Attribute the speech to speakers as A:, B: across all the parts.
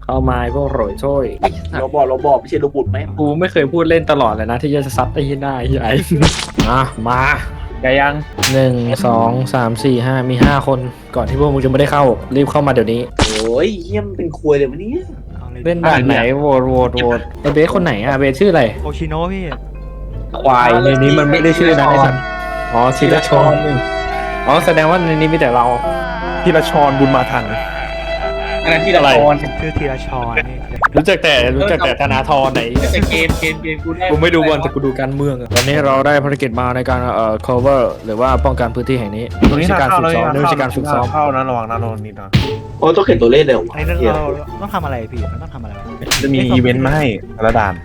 A: เข้ามาพวกโรยโช่วย
B: เราบอกไม่ใช่โรบุตไหม
A: กูไม่เคยพูดเล่นตลอดเลยนะที่จะซัดไอ้ที่หน้าไอ้ใหญ่ มาไกยัง1 2 3 4 5มี5 คนก่อนที่พวกมึงจะไม่ได้เข้ารีบเข้ามาเดี๋ยวนี้
B: โอ้ยเยี่ยมเป็นควยเลยวันนี้
A: เล่นด่านไหนโหวตไอเบสคนไหนอะเบสชื่ออะไร
C: โอชิโนะพี่
A: ควายในนี้มันไม่ได้ชื่อนะไอ้สัตว์อ๋อธีรชรอ๋อแสดงว่าในนี้มีแต่เรา
D: ธีรชรบุญมาทัน
B: อันนั้นที่ละคร
C: ชื่อธีรชรนี่
A: รู้จักแต่ธนาธรไหน
B: แต่เกมกูได้
A: กูไม่ดูบอลแต่กูดูการเมืองอะวันนี้เราได้ภารกิจมาในการcover หรือว่าป้องกันพื้นที่แห่งนี้
D: ตรงนี้
A: ไม่ใช่
D: ทาง
A: การ
D: เข้า
A: ฝึก
D: แล้ว
A: ซ้อมไม่ใช่การฝึกซ้อม
D: เข้านะระวังนะโดนนิดนะ
B: โอ้ต้องเขียนตัวเลขเร็ว
C: อันนี้เราต้องทำอะไรพี่มันต้องทำอะไรวะ
D: จะมีอีเวนต์มาให้แต่ละด่าน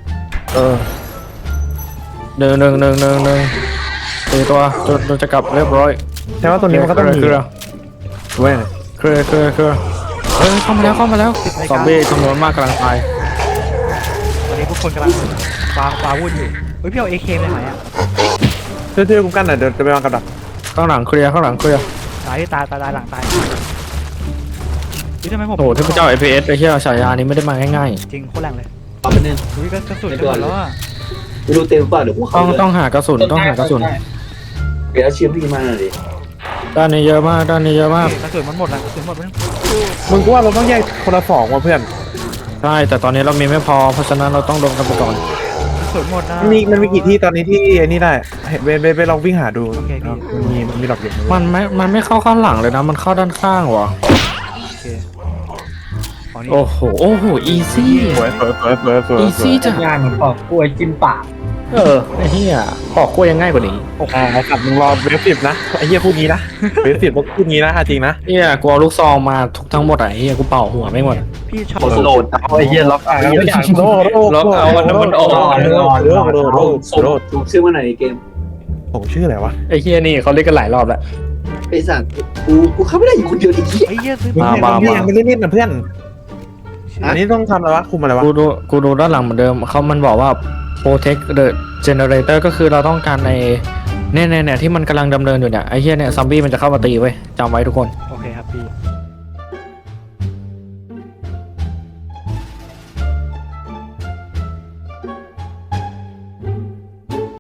A: หนึ่งตีตัวจนจะกลับเรียบร้อย
D: ใช่ว่าตัวนี้มันก็ต้องมี
A: เคลียร์
D: เว้ย
A: เคลียร์เฮ้ยเข้ามาแล้วซอมบี้จำนวนมากกำลังตาย
C: ตอนนี้พวกคนกำลังปาวุ่นอยู่เฮ้ยพี่เอาเอเคไปไหนอ่ะ
D: ช่วยกูกันหน่อยเดี๋ยวจะไปวางกับดัก
A: ข้างหลังเคลียร์
C: ตายที่ตายหลังตายพี่ทำไมผม
A: โอ้โหเทพเจ้า FPS ไอ้เหี้ยฉายานี้ไม่ได้มาง่าย
C: จริงโคตรแรงเลย
B: เอาไปหนึ่ง
C: อุ้ยกระสุนจะหมดแล้วอ่ะ
B: ไม่รู้เต็มเปล่าเดี๋ยวกู
A: ๆ
B: เข้าเลย
A: ต้องหากระสุนต้องหากระสุน
B: เดี๋ยวเชียร์พี่มาหน่อยดิ
A: ด้านนี้เยอะมาก
C: กระสุนมันหมดแล้วกระสุนหมดไป
D: มึงกูว่าเราต้องแยกคนละ2ว่ะเพื่อน
A: ใช่แต่ตอนนี้เรามีไม่พอเพราะฉะนั้นเราต้องลงกันไปก่อน
C: กระสุนหมดนะ
D: มันมีกี่ที่ตอนนี้ที่ไอ้นี่ได้ไปลองวิ่งหาดู
C: โอเคพี่
D: มันมีดอกเด็ก
A: มันไม่เข้าข้างหลังเลยนะมันเข้าด้านข้างว่ะ
C: โอเคอ๋อนี่
A: โอ้โหอีซี่
D: สวย
A: อีซี่จ้ะ
B: งานเหมือนปอกกล้วยจิ้มปาก
A: ไอ้เหี้ยปอกกล้วยยังง่ายกว่านี้
D: กลับมึงรอเวฟ10นะไอ้เหี้ยพูดงี้นะเวฟ10พูดงี้นะจริงนะ
A: เหี้ยกูเอาลูกซองมาทั้งหมดอ่ะไอ้เหี้ยกูเป่าหัวไม่หมด
C: พี่ชอบ
B: โหลดเอาไอ้เหี้ยล็อกเอา
A: ล็อกเอามันออก
B: ถูกชื่อว่าไหนเกม
D: ผมชื่ออะไรวะ
A: ไอ้เหี้ยนี่เขาเรียกกันหลายรอบแล้ว
B: ไอ้สัตว์กูเข้าไม่ได้อยู่คนเดียวไอ้เหี้ย
C: ไอ้เหี้ยซื้อ
D: ยังไม่ได้เล่นนะเพื่อนอันนี้ต้องทำอะไรวะคุมอะไรวะ
A: กูดูด้านหลังเหมือนเดิมมันบอกว่า protect the generator ก็คือเราต้องการในเนี่ยที่มันกำลังดำเนินอยู่เนี่ยไอ้เหี้ยเนี่ยซอมบี้มันจะเข้ามาตีไว้จำไว้ทุกคน
C: โอเคครับพี่